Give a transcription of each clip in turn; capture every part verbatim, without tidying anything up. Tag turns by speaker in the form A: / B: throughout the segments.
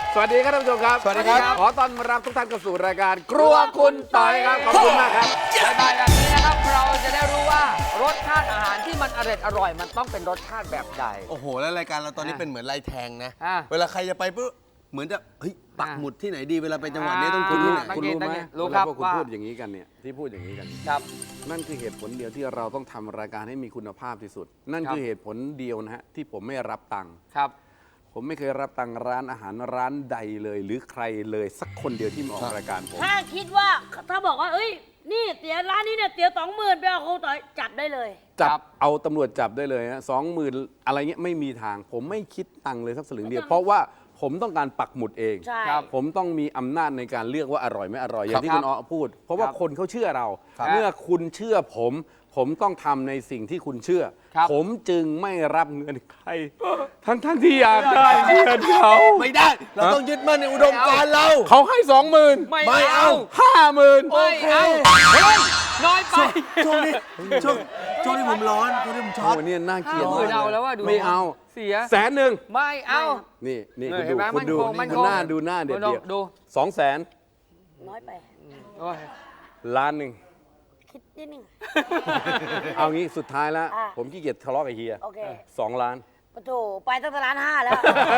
A: สวัสดีครับท่านผู้ชมครับ
B: สวัสดีครับ
A: ขอต้อนรับทุกท่านเข้าสู่รายการครัวคุณต่อยครับ ขอบคุณมากครับ
C: บ่ายๆแบบนี้นะครับเราจะได้รู้ว่ารสชาติอาหารที่มันอร่อยอร่อยมันต้องเป็นรสชาติแบบใด
B: โอ้โหแล้วรายการเราตอนนี้
C: อ่ะ
B: เป็นเหมือนลายแทงนะ
C: อ่ะ
B: เวลาใครจะไปปุ๊บเหมือนจะเฮ้ยปัก
C: อ่ะ
B: หมุดที่ไหนดีเวลาไปจังหวัดนี้
C: อ่า
B: ต้อง
A: คุ
B: คุณ ณ
A: รู้
B: ที่ไหน
A: คุณรู้ไหม
C: ตั้งใจรู้ครับ
A: เวลาพวกคุณ
C: ว่า
A: พูดอย่างนี้กันเนี่ยที่พูดอย่างนี้กัน
C: ครับ
A: นั่นคือเหตุผลเดียวที่เราต้องทำรายการให้มีคุณภาพที่สุด นั่น
C: ครับ
A: คือเหตุผลเดียวนะฮะที่ผมไม่รับตังค์
C: ครับ
A: ผมไม่เคยรับตังค์ร้านอาหารร้านใดเลย หรือใครเลยสักคนเดียวที่มาออกรายการผม
D: ถ้าคิดว่าถ้าบอกว่าเอ้ย นี่เสียร้านนี้เนี่ยเสียสองหมื่นไปเอาครูต่อยจับได้เลย
A: จั
C: ครับ บ
A: เอาตำรวจจับได้เลยฮะสองหมื่นอะไรเงี้ยไม่มีทาง ผมไม่คิดตังค์เลยสักสลึงเดียว
D: ไม่ต้อง
A: เพราะว่าผมต้องการปักหมุดเอง
D: ใช่
C: ครับ
A: ผมต้องมีอำนาจในการเลือกว่าอร่อยไม่อร่อย อย่างที่
C: ครั
A: คุ
C: บ
A: ณอ้อพูด เพราะว่า
C: ครับ
A: คนเขาเชื่อเรา
C: ครับ
A: เมื่อคุณเชื่อผม ผมต้องทำในสิ่งที่คุณเชื่อ
C: ครับ
A: ผมจึงไม่รับเงินใคร ทั้งทั้งๆที่อยากได้เงินเขา
B: ไม่ได้ เราต้องยึดมั่นในอุดมการณ์เรา
A: เขาให้สองหมื่น
C: ไม่
B: ไม่
C: เอา
B: เอา
A: ห้าหมื่น
C: ไม่เอาเฮ้ยน้อยไป
B: ช่วงนี้ช่วงช่วงนี้ผมร้อนช่วงนี้ผมช็อต
A: โอ้เนี่ยน่าเกลียด
C: ห้าหมื่นเอาแล้วว่าดู
A: ไม่เอา
C: เสีย
A: แสนหนึ่ง
C: ไม่เอา
A: นี่นี่
C: เอ
A: คุ
C: อ
A: ณ
C: เห็
A: ดู
C: นไหม
A: คุณดู
C: มั่นคงมั่นคง
A: ดูหน้าดูหน้าเด็ด
C: ดู
A: เดียว
C: ดู
A: สองแสน
D: น้อยไป
C: โอ้ย
A: ล้านหนึ่ง
D: คิดนิดนึง
A: เอางี้สุดท้ายแล้ว
D: อ่ะ
A: ผมขี้เกียจทะเลาะกับเฮีย
D: โอเค
A: สองล้าน
D: ปะโถไปตั้งแต่ร้านห้าแล้ว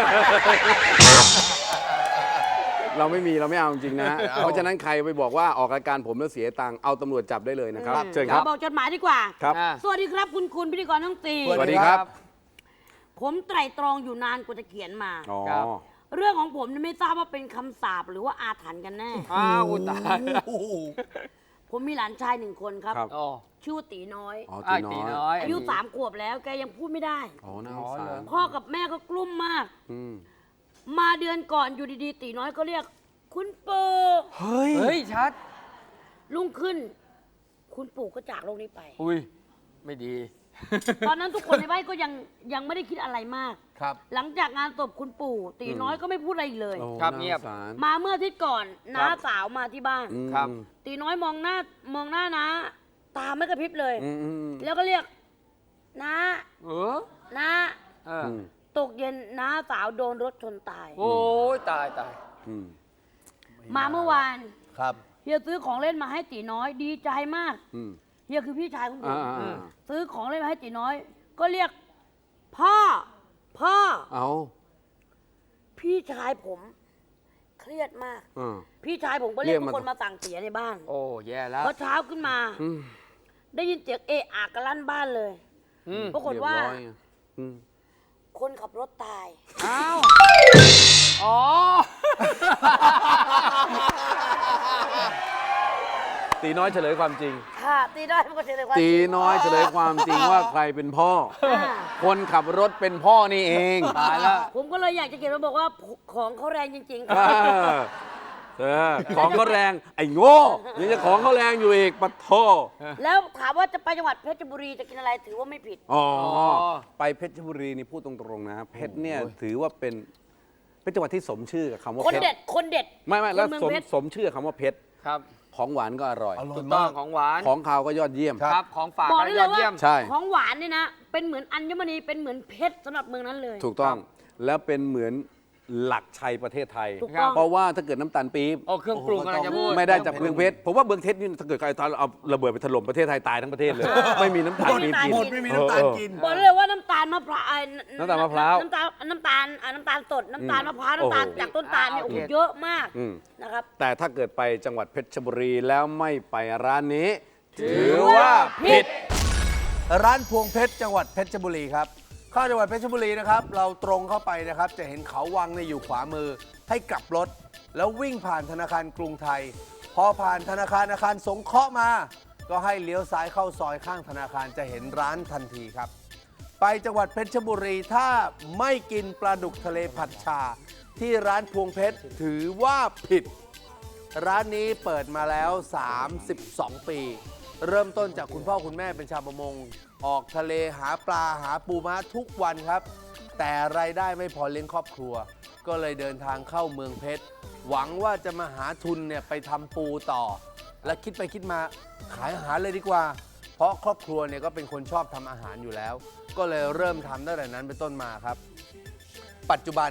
A: เราไม่มีเราไม่เอาจริงๆนะฮะเพราะฉะนั้นใครไปบอกว่าออกรายการผมแล้วเสียตังค์เอาตำรวจจับได้เลยนะครับ เชิญครับ
D: บอกจดหมายดีกว่า
A: ครับ
C: อ่ะ
D: สวัสดีครับคุณคุณพิธีกรทั้งสี่
A: สวัสดีครับ
D: ผมไตร่ตรองอยู่นานกว่าจะเขียนมา
A: อ๋อ
C: ครับ
D: เรื่องของผมเนี่ยไม่ทราบว่าเป็นคำสาปหรือว่าอาถรรพ์กันแน่
C: อ้าวอุยตาย
B: โอ้โห
D: ผมมีหลานชายหนึ่งคนครับ
A: ครับ
C: อ๋อ
D: ชื่อว่าตีน้อย
A: อ๋อ
C: อ้า
A: ตี
C: ยตี
A: น้
C: น้
A: อ
C: อย ย
D: อายุสามขวบแล้วแกยังพูดไม่ได้
A: อ๋อน่าสงสาร
D: พ่อกับแม่ก็กลุ้มมาก
A: อืม
D: มาเดือนก่อนอยู่ดีๆ ตีน้อยก็เรียก คุณปู่
A: เฮ้ย
C: เฮ้ยชัด
D: รุ่งขึ้น คุณปู่ก็จากโลกนี้ไป
C: อุ้ยไม่ดี
D: ตอนนั้นทุกคนในบ้านก็ยังยังไม่ได้คิดอะไรมาก
B: ครับ
D: หลังจากงานศพคุณปู่ ตีน้อยก็ไม่พูดอะไรอีกเลย
A: โอ้
C: ครับ
A: น่า
C: เงียบ
A: สงสาร
D: มาเมื่ออาทิตย์ก่อนน้า
C: ครับ
D: สาวมาที่บ้าน
A: อืม
C: ครับ
D: ตีน้อยมองหน้ามองหน้านะตาไม่กระพริบเลย
A: อืมอืมอืม
D: แล้วก็เรียกน้า
C: เออ
D: น้า
C: เออ
A: อืม
D: ตกเย็นน้าสาวโดนรถชนตาย
C: โอ้ยตายตาย
A: อืม
D: มาเมื่อวาน
B: ครับ
D: เฮียซื้อของเล่นมาให้ตีน้อยดีใจมาก
A: อืม
D: เฮียคือพี่ชายของผ
A: อ่าม อ่าอ่า
D: ซื้อของเล่นมาให้ตีน้อย ก็เรียก พ่อ พ่อ
A: เอา
D: พี่ชายผม เครียดมาก
A: อ่า
D: พี่ชายผมก็เรียก
A: เรียก
D: ทุ
A: มาก
D: คนมาสั่งเสียในบ้าน
C: โอ้แย่แล้ว
D: พอเช้าขึ้นมา
A: อืม
D: ได้ยินเสียงเอะอะกันลั่นบ้านเลย
C: อืม
D: ปรากฏว่า
A: เรียบร้อยไงอืม
D: คนขับรถตาย
C: อ้าวอ๋อ
A: ตีน้อยเฉลยความจริง
D: ค่ะ ตีน้อยมันก็เฉลยว่า
A: ตีน้อยเฉลยความจริงว่าใครเป็นพ่อ
D: อ่า
A: คนขับรถเป็นพ่อนี่เอง
C: ตายแล้ว
D: ผมก็เลยอยากจะเขียนมาบอกว่าของเขาแรงจริงๆ
A: เอ
D: ค่ะ
A: อเออของเขาแรง ไอ้โง่ยังจะของเขาแรงอยู่อีกปะโท
D: แล้วถามว่าจะไปจังหวัดเพชรบุรีจะกินอะไรถือว่าไม่ผิด
A: อ๋อ
C: อ
A: ไปเพชรบุรีนี่พูดตรงๆนะเพชรเนี่ยถือว่าเป็นเป็นจังหวัดที่สมชื่อกับคำว่า
D: คน
A: เพชร
D: เด็ด คนเด็ด
A: ไม่ไม่แล้ว
D: คนเมือง
A: สม
D: เพชร
A: สมชื่อคำว่าเพชร
C: ครับ
A: ของหวานก็อร่อย
B: อร่อ
C: ถู
B: ย
C: กต้อ
B: มาง ก
C: ของหวาน
A: ของคาวก็ยอดเยี่ยม
C: ครับของฝาก
D: บอก
C: ก็
D: ได้
C: ย
D: เล
C: อย ด
D: ว่า
C: เยี่ยม
A: ใช่
D: ของหวานเนี่ยนะ เป็นเหมือนอัญมณีเป็นเหมือนเพชรสำหรับเมืองนั้นเลย
A: ถูกต้องแล้วเป็นเหมือนหลักชัยประเทศไทย
D: ถูกต้อง
A: เพราะว่าถ้าเกิดน้ำตาลปี๊บ
C: โอ้เครื่องปรุงกำลังจะพูด
A: ไม่ได้จากเมืองเพชรผมว่าเมืองเพชรนี่ถ้าเกิดใครตอนเอาระเบิดไปถล่มประเทศไทยตายทั้งประเทศเลย ไม่มีน้ำตาลปี๊บกิน
B: หมดไม่มีน้ำตาลกิน
D: บอกได้เลยว่าน้ำตาลมะพร้าวไอ้
A: น้ำตาลมะพร้าว
D: น้ำตาลน้ำตาลอ่าน้ำตาลสดน้ำตาลมะพร้าว
A: โอ้โห
D: น้ำตาลจากต้นตาลเนี่ยโอ้โห
C: โอเค
D: เยอะมาก
A: อืม
D: นะครับ
A: แต่ถ้าเกิดไปจังหวัดเพชรบุรีแล้วไม่ไปร้านนี้ ถือว่าผิด
B: ร้านพวงเพชรจังหวัดเพชรบุรีครับเข้าจังหวัดเพชรบุรีนะครับ เราตรงเข้าไปนะครับ จะเห็นเขาวังในยอยู่ขวามือ ให้กลับรถ แล้ววิ่งผ่านธนาคารกรุงไทย พอผ่านธนาคารอาคารสงเคราะห์มา ก็ให้เลี้ยวซ้ายเข้าซอยข้างธนาคารจะเห็นร้านทันทีครับ ไปจังหวัดเพชรบุรีถ้าไม่กินปลาดุกทะเลผัดชา ที่ร้านพวงเพชรถือว่าผิด ร้านนี้เปิดมาแล้ว สามสิบสอง ปี เริ่มต้นจากคุณพ่อคุณแม่เป็นชาวประมง ออกทะเลหาปลาหาปูม้าทุกวันครับ แต่รายได้ไม่พอเลี้ยงครอบครัว ก็เลยเดินทางเข้าเมืองเพชร หวังว่าจะมาหาทุนเนี่ยไปทำปูต่อ และคิดไปคิดมาขายอาหารเลยดีกว่า เพราะครอบครัวเนี่ยก็เป็นคนชอบทำอาหารอยู่แล้ว ก็เลยเริ่มทำตั้งแต่นั้นเป็นต้นมาครับ ปัจจุบัน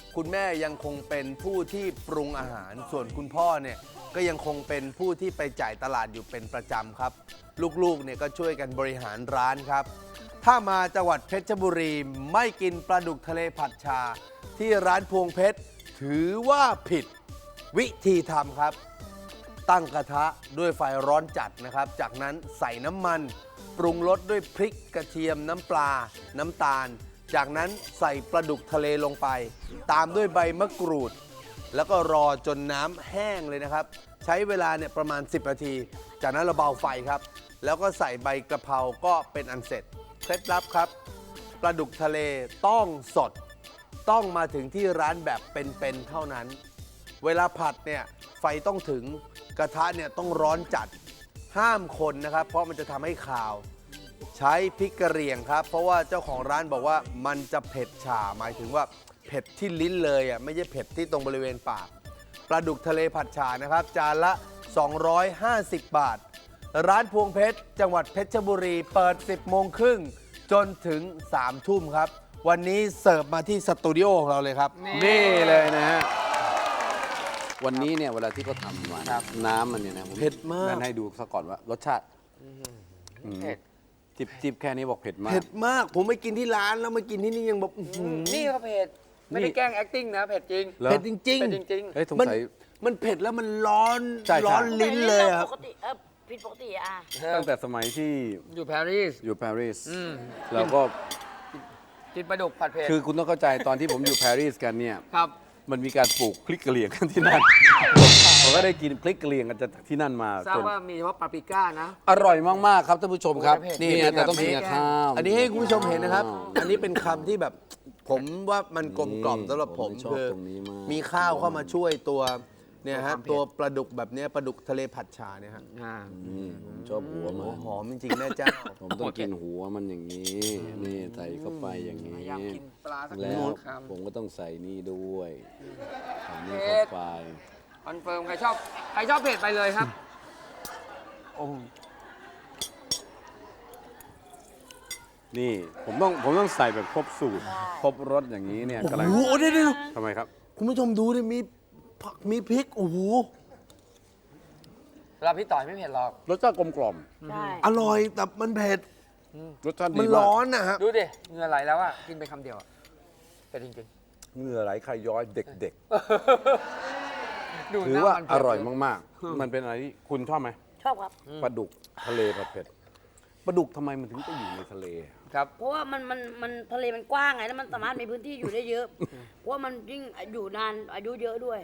B: คุณแม่ยังคงเป็นผู้ที่ปรุงอาหาร ส่วนคุณพ่อเนี่ยก็ยังคงเป็นผู้ที่ไปจ่ายตลาดอยู่เป็นประจำครับ ลูกๆเนี่ยก็ช่วยกันบริหารร้านครับ ถ้ามาจังหวัดเพชรบุรีไม่กินปลาดุกทะเลผัดชา ที่ร้านพวงเพชรถือว่าผิดวิธีทำครับ ตั้งกระทะด้วยไฟร้อนจัดนะครับ จากนั้นใส่น้ำมัน ปรุงรสด้วยพริกกระเทียมน้ำปลา น้ำตาล จากนั้นใส่ปลาดุกทะเลลงไป ตามด้วยใบมะกรูด แล้วก็รอจนน้ำแห้งเลยนะครับ ใช้เวลาเนี่ยประมาณสิบนาที จากนั้นเราเบาไฟครับ แล้วก็ใส่ใบกระเพราก็เป็นอันเสร็จเคล็ดลับครับปลาดุกทะเลต้องสด ต้องมาถึงที่ร้านแบบเป็นๆเท่านั้น เวลาผัดเนี่ยไฟต้องถึงกระทะเนี่ยต้องร้อนจัดห้ามคนนะครับ เพราะมันจะทำให้คาว ใช้พริกกระเหรี่ยงครับ เพราะว่าเจ้าของร้านบอกว่ามันจะเผ็ดฉ่าหมายถึงว่าเผ็ดที่ลิ้นเลยอ่ะไม่ใช่เผ็ดที่ตรงบริเวณปากปลาดุกทะเลผัดฉ่านะครับ จานละ สองร้อยห้าสิบ บาท ร้านพวงเพชรจังหวัดเพชรบุรีเปิด สิบโมงครึ่งจนถึง สามทุ่มครับ วันนี้เสิร์ฟมาที่สตูดิโอของเราเลยครับ
A: นี่เลยนะฮะ วันนี้เนี่ยเวลาที่เขาทำมาน้ำมันเนี่ยนะผ
B: เผ็ดมาก
A: นั่นให้ดูซะก่อนว่ารสชาติอืม
C: เผ็ด
A: จิบจิบแค่นี้บอกเผ็ดมาก
B: เผ็ดมากผมไปกินที่ร้านแล้วมากินที่นี่ยังแบบอื้อหือ
C: นี่ก็เผ็ด ไม่ได้แกล้ง acting นะ เผ็ดจริง
A: เหรอ
B: เผ็ดจริง
C: เผ็ดจริง
A: เฮ้ยสง
B: มัน
A: สัย
B: มันเผ็ดแล้วมันร้อน
A: ใช่ใช่
B: ร้อนลิ้นเลยอะค
D: ป
B: รับ
D: กติเออผิดปกติอ่ะ
A: ตั้งแต่สมัยที่
C: ๆ อยู่ปารีส
A: อยู่ปารีส
C: อืม
A: เราก็
C: กินปลาดุกผัดเผ็ด
A: คือคุณต้องเข้าใจตอนที่ผมอยู่ปารีสกันเนี่ย
C: ครับ
A: มันมีการปลูกพริกกะเหรี่ยงกันที่นั่น ผมก็ได้กินพริกกะเหรี่ยงกันจากที่นั่นมา
C: ทราบ
A: จน
C: ว่ามีเฉพาะปาปริก้านะ
A: อร่อยมาก ๆ ครับท่านผู้ชมครับ
C: โอ้ยเผ็ด
A: นี่
B: นี่
A: นะแต่ต้องกินกับข้าว
B: อันนี้ให้คุณผู้ชมเห็นนะครับ
A: อ๋อ
B: อันนี้เป็นคำที่แบบ ผมว่ามันกลมกล่อมสำหรับผม
A: ผมชอบ
B: คือ
A: ตรงนี้มาก
B: มีข้าวเข้ามาช่วยตัวเนี่ยฮะ
C: ความเผ็ด
B: ตัวปลาดุกแบบเนี้ยปลาดุกทะเลผัดชาเนี่ยฮะ
C: อ่า
A: นี่ผมชอบหัวมัน
B: หอมจริงๆแม่เจ้า
A: ผมต้องกินหัวมันอย่างนี้ นี่ใส่เข้าไปอย่างนี้
C: พยายามกินปลาสัก
A: แล้
C: ห
A: ว
C: นึ่งคำ
A: ผมก็ต้องใส่นี่ด้วยใส่นี่
C: เผ็
A: เข้า
C: ด
A: ไป
C: คอนเฟิร์มใครชอบ ใครชอบเผ็ดไปเลยครับ
A: นี่ผมต้องผมต้องใส่แบบครบสูตร ครบรสอย่างนี้เนี่ยกำลัง
B: โอ้โหเดี๋ยวเดี๋ยว
A: ทำไมครับ
B: คุณผู้ชมดูดิมีผักมีพริก โอ้โห
C: เราพี่ต่อยไม่เผ็ดหรอก
A: รสชาติกลมกล่อม
D: ใช่
B: อร่อยแต่มันเผ็ด
A: รสชาติดี
B: มัน
A: มา
B: ร้
A: ก
B: อนนะฮะ
C: ดูดิ เหงื่อไหลแล้วอ่ะ กินไปคำเดียวอะเผ็ดจริง
A: เหงื่อไหลใครย้อยเด็ก
C: ๆ ดู
A: ๆ ถื
C: ห
A: อ
C: น้า
A: ว่า
C: มัน
A: อ
C: เผ็ด
A: ร่อยมากๆ มันเป็นอะไรที่คุณชอบไหม
D: ชอบครับ
A: ปลาดุกทะเลผัดเผ็ดปลาดุกทำไมมันถึงไปอยู่ในทะเล
C: ครับ
D: เพราะว่ามันมันมันทะเลมันกว้างไงแล้วมันสามารถมีพื้นที่อยู่ได้เยอะ เพราะว่ามันยิ่งอยู่นานอายุเยอะด้วย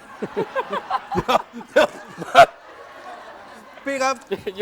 B: พี่ครับ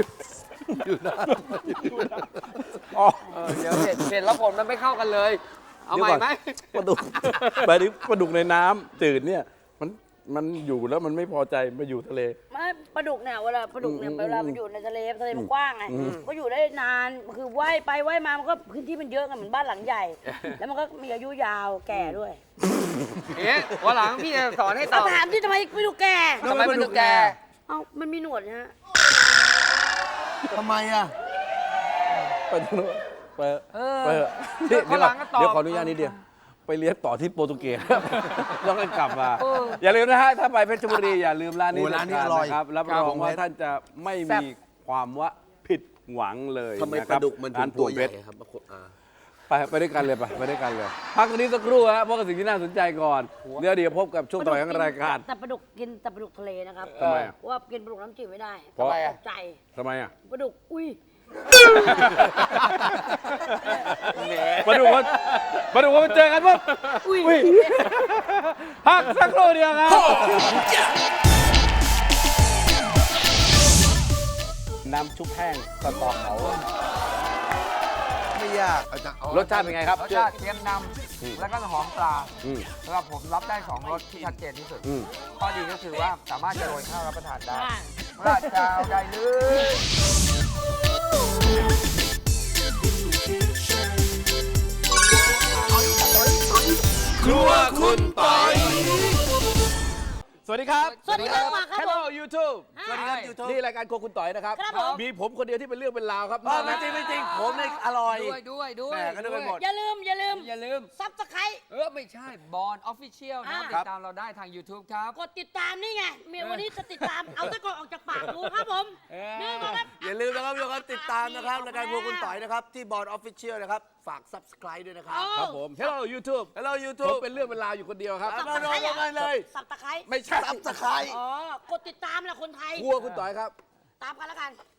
A: อ๋อ
C: เออเดี๋ยวเผ็ดเผ็ดแล้วผลมันไม่เข้ากันเลย เอาใหม่ไหม
A: ปลาดุกปลาดุกปลาดุกในน้ำจืดเนี่ยมันมันอยู่แล้วมันไม่พอใจมาอยู่ทะเล
D: ไม่ปลาดุกเนี่ยเวลาปลาดุกเนี่ย
A: อืม
D: เวลามันอยู่ในทะเลทะเลมันกว้างไงก็อยู่ได้นานคือว่ายไปว่ายมามันก็พื้นที่มันเยอะไงเหมือนบ้านหลังใหญ่ แล้วมันก็มีอายุยาวแก่ด้วย
C: เอ๊ะวันหลังพี่จะสอนให้ต
D: เอา
C: อบ
D: ถามที่ทำไมปลาดุกแก่
C: ทำไมเป็นดุกแก
D: เอ้ามันมีหนวดนะฮะ
B: ทำไมอ่ะ
A: ไปตรงนู้นไป
C: เออ
A: ไปเถอะเดี๋ยว
C: วันหลังก็ตอบ
A: เดี๋ยวขออนุญาตนิดเดียวไปเรียนต่อที่โปรตุเกสแล้วก็กลับมา อย่าลืมนะฮะถ้าไปเพชรบุรีอย่าลืมร้านนี้
B: โอ้ร้านนี้
A: เด็ด
B: อร่อย
A: ขดนะครับรับ
B: ครั
A: ร
B: บ
A: องว่าท่านจะไม่มีความว่าผิดหวังเลย
B: ทำไม
A: นะ
B: ป
A: ครั
B: ลา
A: บ
B: ดุกมันถึ
A: ร้าง
B: ตัว
A: พวง
B: ให
A: เพ
B: ญ่
A: ชร
B: ครับอ่า
A: ไปไปด้วยกันเลยไปไปด้วยกันเลย พักตรงนี้สักครู่ฮะพบกับสิ่งที่น่าสนใจก่อนเดี๋ยวเดี๋ยวพบกับช่วงต่อไปของรายการ
D: แต่ปลาดุกกินแต่ปลาดุกทะเลนะครับ
A: ทำไมอะ
D: เพราะว่ากินปลาดุกน้ำจืดไม่ได้
A: เพราะ
D: ตกใจ
A: ทำไมอ่ะ
D: ปลาดุกอุ้ย
A: มาดูว่ามาดูว่ามันเจอกันปุ๊บ
D: อุ้ย
A: อุ้ยพักสักครู่เดียวครับน้ำชุบแห้งสตอเขา
B: ไม่ยากอาจารย์
A: รสชาติเป็นไงครับ
C: รสชาติเค็มนำแล้วก็หอมปลา
A: อืม
C: สำหรับผมรับได้สองรสที่ชัดเจนที่สุด
A: อืม
C: ข้อดีก็คือว่าสามารถจะโรยข้าวรับประทานได้
D: อ่า
C: ราดข้าวได้เลย
A: ครัวคุณปอยสวัสดีครับ
D: สวัสดีครับมาครับผม
A: Hello YouTube
B: สวัสดีครับ YouTube
A: นี่รายการโครัวคุณต่อยนะครับ
D: ครับผม
A: มีผมคนเดียวที่เป็นเรื่องเป็นราวครับ
B: เออไม่จริงไม่จริงผมเนี่ยอร่อย
C: ด้วยด้วยด้วย
B: แหม่ก็นึกไปหมด
D: อย่าลืมอย่าลืม
C: อย่าลืม
D: ซับสไครต์
C: เออ ไม่ใช่บอลออฟฟิเชียลนะครับ
D: อ่า
C: ติดตามเราได้ทาง YouTube ครับ
D: กดติดตามนี่ไงเมียวันนี้จะติดตาม เอาตะกอนออกจากปากดูครับผม
C: เออ
D: นี่มาครับ
B: อย่าลืมนะครับทุกคนติดตามนะครับรายการพวกคุณต่อยนะครับ ที่บอร์ดออฟฟิเชียลนะครับ ฝาก Subscribe ด้วยนะครับ
A: ครับผม Hello YouTube
B: Hello
A: ผม
B: YouTube
A: เป็นเรื่องเป็นราวอยู่คนเดียวครับ
B: เอามาลงกันเลย
D: สับตะไคร้
A: ไม่ใช่
B: Subscribe
D: อ๋อกดติดตามแหละคนไทย
A: ครัวคุณต่อยครับ
D: ตามกันแล้วกัน